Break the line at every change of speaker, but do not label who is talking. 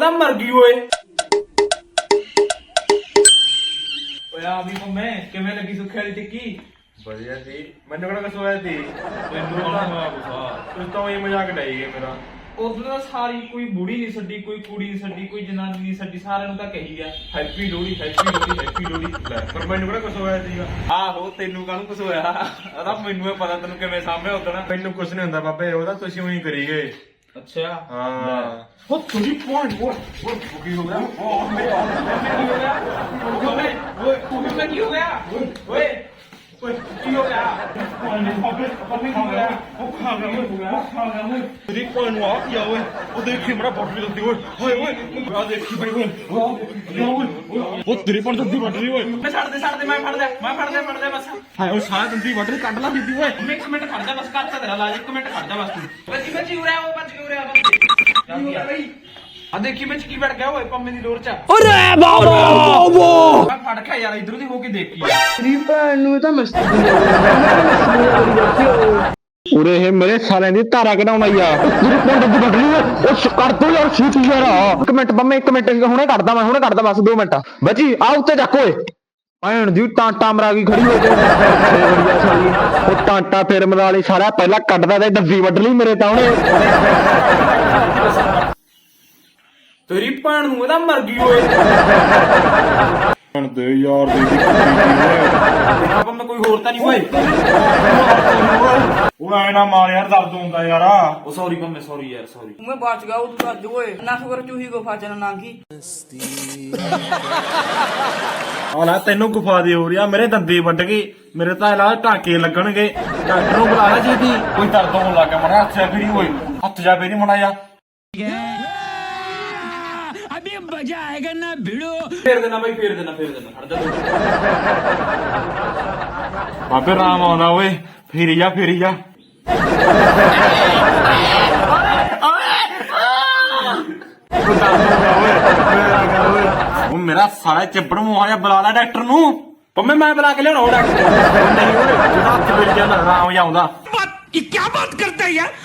ਤਾਂ ਮਰ ਗਈ ਓਏ। ਓਏ ਆ ਵੀ ਮੰਮੇ ਕਿਵੇਂ ਲੱਗੀ ਸੁੱਖੇ ਵਾਲੀ ਟਿੱਕੀ?
ਵਧੀਆ ਸੀ। ਮੈਨੂੰ ਕਿਹੜਾ ਕੁਛ ਹੋਇਆ ਸੀ?
ਤੈਨੂੰ ਤਾਂ ਹੋਇਆ ਗੁੱਸਾ।
ਤੂੰ ਤਾਂ ਉਹੀ ਮਜ਼ਾਕ ਡਾਈ ਗਿਆ ਮੇਰਾ।
ਉਦੋਂ ਤਾਂ ਸਾਰੀ ਕੋਈ ਬੁੜੀ ਨਹੀਂ ਛੱਡੀ, ਕੋਈ ਕੁੜੀ ਨਹੀਂ ਛੱਡੀ, ਕੋਈ ਜਨਾਨੀ ਨਹੀਂ ਛੱਡੀ, ਸਾਰਿਆਂ ਨੂੰ ਤਾਂ ਕਹੀ ਗਿਆ happy Lohri happy Lohri happy Lohri.
ਪਰ ਮੈਨੂੰ ਕਿਹੜਾ ਕੁਛ ਹੋਇਆ ਸੀਗਾ?
ਆਹੋ ਤੈਨੂੰ ਕਾਹਨੂੰ ਕੁਛ ਹੋਇਆ? ਉਹਦਾ ਮੈਨੂੰ ਇਹ ਪਤਾ ਤੈਨੂੰ ਕਿਵੇਂ ਸਾਹਮਣੇ ਉਦਣਾ।
ਮੈਨੂੰ ਕੁਛ ਨਹੀਂ ਹੁੰਦਾ ਬਾਬੇ, ਉਹਦਾ ਤੁਸੀਂ ਉਹੀ ਕਰੀ ਗਏ।
ਅੱਛਾ
ਹਾਂ
ਉਹ ਤੁਸੀਂ ਪੁਆਇੰਟ ਓਏ ਕੀ ਹੋ ਗਿਆ? ਉਹ ਮੇਰੇ ਕੀ ਹੋ ਗਿਆ? ਓਏ ਕੀ ਹੋ ਗਿਆ? ਓਏ ਓਏ ਕੀ ਹੋ ਗਿਆ? ਪੰਮੇ ਕੀ ਹੋ ਗਿਆ? ਉਹ ਖਾ ਗਿਆ
ਤੇਰੀ ਕੋਲ ਨੂੰ ਆ ਗਿਆ ਓਏ। ਉਹ ਦੇਖੀ ਮੇਰਾ ਬੋਟ ਵੀ ਦਿੱਤੀ ਓਏ। ਓਏ ਓਏ ਆ ਦੇਖੀ ਬਈ ਓਏ। ਉਹ ਤੇਰੀ ਪਣ ਦੰਦੀ ਵੱਢ ਰਹੀ ਓਏ।
ਮੈਂ ਛੱਡ ਦੇ ਮੈਂ ਫੜ ਲਿਆ ਬਸ।
ਹਾਏ ਉਹ ਸਾਰਾ ਦੰਦੀ ਵੱਢ ਰਹੀ, ਕੱਢ ਲਾ ਦਿੱਤੀ ਓਏ।
ਇੱਕ ਮਿੰਟ ਖੜ ਜਾ ਬਸ, ਕਰਤਾ ਤੇਰਾ ਇਲਾਜ। ਇੱਕ ਮਿੰਟ ਖੜ ਜਾ ਬਸ ਤੂੰ। ਬੱਚੀ ਉਰੇ ਆ, ਉਹ ਬੱਚ ਕੇ ਉਰੇ ਆ ਆ ਦੇਖੀ ਵਿੱਚ ਕੀ ਵੜ ਗਿਆ ਓਏ ਪੰਮੇ ਦੀ ਲੋਰ ਚ।
ਅਰੇ ਬਾਬਾ
ਮੈਂ ਫੜ ਕੇ ਯਾਰ ਇਧਰੋਂ ਦੀ ਹੋ ਕੇ ਦੇਖੀ।
ਤੇਰੀ ਭੈਣ ਨੂੰ ਤਾਂ ਮਸਤੀ ਉਰੇ ਇਹ ਮੇਰੇ ਸਾਲਿਆਂ ਦੀ ਧਾਰਾ ਕਢਾਉਣ ਆਈ ਆ। ਤੇਰੀ ਭੈਣ ਦੀ ਵੱਢ ਲਈ ਉਹ ਕਰ ਦੋ ਯਾਰ ਛੇਤੀ ਯਾਰ। ਇੱਕ ਮਿੰਟ ਬੰਮੇ, ਇੱਕ ਮਿੰਟ ਹੁਣੇ ਕੱਢਦਾ ਮੈਂ, ਹੁਣੇ ਕੱਢਦਾ ਬਸ 2 ਮਿੰਟ। ਬੱਜੀ ਆ ਉੱਤੇ ਚੱਕ ਓਏ। ਭੈਣ ਦੀ ਟਾਂਟਾ ਮਰਾ ਗਈ ਖੜੀ ਹੋ ਕੇ ਬੜੀਆ ਸਾਲੀ। ਉਹ ਟਾਂਟਾ ਫੇਰ ਮਰਾ ਲਈ ਸਾਰਾ, ਪਹਿਲਾਂ ਕੱਢਦਾ ਤੇ ਡੱਬੀ ਵੱਢ ਲਈ ਮੇਰੇ ਤਾਂ ਉਹਨੇ।
ਤੇਰੀ ਭੈਣ ਨੂੰ ਇਹਦਾ ਮਰ ਗਈ ਓਏ।
ਹੁਣ ਦੇ ਯਾਰ ਦੀ
ਆਪਾਂ ਮੈਂ ਕੋਈ ਹੋਰ ਤਾਂ ਨਹੀਂ ਓਏ।
ਉਹ ਐ ਨਾ ਮਾਰ ਯਾਰ, ਦਰਦ ਹੁੰਦਾ ਯਾਰ।
ਉਹ ਸੌਰੀ ਪੰਮੇ, ਸੌਰੀ ਯਾਰ ਸੌਰੀ।
मैं बच गया तू आज ओए ना खबर चूही को फाचना नांगी
ਆ ਲੈ ਤੈਨੂੰ ਗੁਫਾ ਦੀ ਹੋ ਰਹੀ ਆ, ਮੇਰੇ ਦੰਦੀ ਵੱਢ ਗਈ। ਮੇਰੇ ਤਾਂ ਇਲਾਜ ਟਾਂਕੇ ਲੱਗਣਗੇ। ਡਾਕਟਰ ਨੂੰ ਬੁਲਾ ਲੈ ਜੀਦੀ। ਕੋਈ ਦਰਦ ਹੋਣ ਲੱਗਾ ਮਰਾ ਹੱਥ ਜਾ ਫੇਰੀ ਓਏ। ਹੱਥ ਜਾ ਫੇਰੀ ਮੜਾ ਜਾ।
अभी मजा आएगा ना भिड़ो।
ਫੇਰ ਦੇਣਾ ਬਾਈ, ਫੇਰ ਦੇਣਾ ਖੜ ਜਾ।
ਬਾਬੇ ਰਾਮ ਆਉਂਦਾ ਓਏ। ਫੇਰੀ ਜਾ ਉਹ ਮੇਰਾ ਸਾਰਾ ਚੱਪੜ ਮੂੰਹ ਆ, ਬੁਲਾ ਲੈ ਡਾਕਟਰ ਨੂੰ।
ਪੰਮੇ ਮੈਂ ਬੁਲਾ ਕੇ ਲਿਆਉਣਾ ਉਹ ਡਾਕਟਰ।
ਨਹੀਂ ਓਏ, ਜਿਹਦਾ ਹੱਥ ਫੇਰੀ ਜਾਂਦਾ ਆਰਾਮ ਆਉਂਦਾ।
ये क्या बात करता है यार।